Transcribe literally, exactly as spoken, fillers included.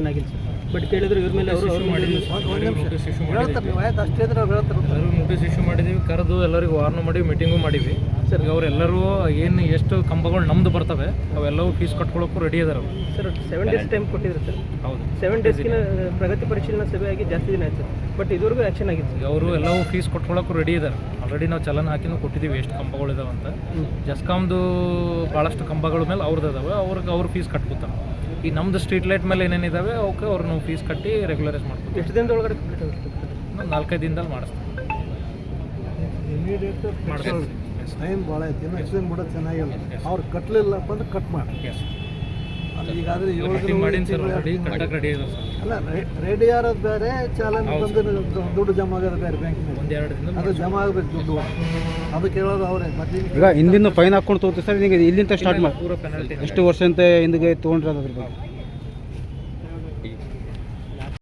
Action ಆಗಿಲ್ಲ sir. But ಕೇಳಿದ್ರು ಇವ್ರ ಮೇಲೆ ಅವರು ಅವ್ರು ಮಾಡಿದ್ವಿ ನೋಟಿಸ್ ಇಶ್ಯೂ ಎಲ್ಲರೂ ನೋಟಿಸ್ ಇಶ್ಯೂ ಮಾಡಿದ್ದೀವಿ, ಕರೆದು ಎಲ್ಲರಿಗೂ ವಾರ್ನ್ ಮಾಡಿ ಮೀಟಿಂಗು ಮಾಡಿದ್ವಿ ಸರ್. ಈಗ ಅವರೆಲ್ಲರೂ ಏನು ಎಷ್ಟು ಕಂಬಗಳು ನಮ್ದು ಬರ್ತವೆ ಅವೆಲ್ಲವೂ ಫೀಸ್ ಕಟ್ಕೊಳ್ಳೋಕ್ಕೂ ರೆಡಿ ಇದಾರೆ ಅವರು ಸರ್. ಸೆವೆನ್ ಡೇಸ್ ಟೈಮ್ ಕೊಟ್ಟಿದ್ರು ಸರ್. ಹೌದು, ಸೆವೆನ್ ಡೇಸ್ಗಿನ ಪ್ರಗತಿ ಪರಿಶೀಲನಾ ಸಭೆಯಾಗಿ ಜಾಸ್ತಿ ದಿನ ಆಯ್ತು ಬಟ್ ಇದುವರೆಗೂ ಆ್ಯಕ್ಷನ್ ಆಗಿತ್ತು. ಈಗ ಅವರು ಎಲ್ಲವೂ ಫೀಸ್ ಕಟ್ಕೊಳ್ಳೋಕ್ಕೂ ರೆಡಿ ಇದ್ದಾರೆ. ಆಲ್ರೆಡಿ ನಾವು ಚಲನ ಹಾಕಿನೂ ಕೊಟ್ಟಿದ್ದೀವಿ ಎಷ್ಟು ಕಂಬಗಳಿದಾವೆ ಅಂತ. ಜಸ್ಕಾಮ್ದು ಭಾಳಷ್ಟು ಕಂಬಗಳ ಮೇಲೆ ಅವ್ರದ್ದು ಇದಾವೆ, ಅವ್ರಿಗೆ ಅವ್ರು ಫೀಸ್ ಕಟ್ಕೊತಾರೆ. ಈ ನಮ್ಮದು ಸ್ಟ್ರೀಟ್ ಲೈಟ್ ಮೇಲೆ ಏನೇನಿದ್ದಾವೆ ಅವಕ್ಕೆ ಅವ್ರು ನಾವು ಫೀಸ್ ಕಟ್ಟಿ ರೆಗ್ಯುಲರೈಸ್ ಮಾಡ್ತೀವಿ. ಎಷ್ಟು ದಿನದ ಒಳಗಡೆ ಕಂಪ್ಲೀಟ್ ಆಗುತ್ತೆ? ನಾವು ನಾಲ್ಕೈದು ದಿನದಲ್ಲಿ ಮಾಡಿಸ್ತೀವಿ. ಇಮಿಡಿಯೇಟ್ ಟೈಮ್ ಭಾಳ ಐತಿ. ಇನ್ನು ಎಕ್ಸ್ಟೆಂಡ್ ಬಿಡೋದು ಚೆನ್ನಾಗಿಲ್ಲ. ಅವ್ರು ಕಟ್ಟಲಿಲ್ಲಪ್ಪ ಅಂದ್ರೆ ಕಟ್ ಮಾಡಿ. ಈಗಾದರೆ ಏಳು ಮಾಡಿನ ಸರ್ ಆಲ್ರೆಡಿ ಕಟ್ಟಕ್ಕೆ ರೆಡಿ ಇದೆ ಸರ್. ಅಲ್ಲ, ರೆಡಿ ಆರೋದು ಬೇರೆ, ಚಾಲನ್ ಬಂದು ದುಡ್ಡು ಜಮಾ ಆಗೋದು ಬೇರೆ ಬ್ಯಾಂಕಿನಲ್ಲಿ. ಒಂದೆರಡು ದಿನ ಅದು ಜಮಾ ಆಗಬೇಕು ದುಡ್ಡು, ಅದು ಕೇಳೋದು ಅವರೇ. ಮತ್ತೆ ಈಗ ಹಿಂದಿನ ಫೈನ್ ಹಾಕ್ಕೊಂಡು ತೊಗೋತೀವಿ ಸರ್. ಈಗ ಇಲ್ಲಿಂದ ಸ್ಟಾರ್ಟ್ ಮಾಡಿ ಪೂರ ಪೆನಾಲ್ಟಿ ಎಷ್ಟು ವರ್ಷ ಅಂತ ಹಿಂದಿಗೆ ತೊಗೊಂಡ್ರೆ ಅದ್ರ ಬಗ್ಗೆ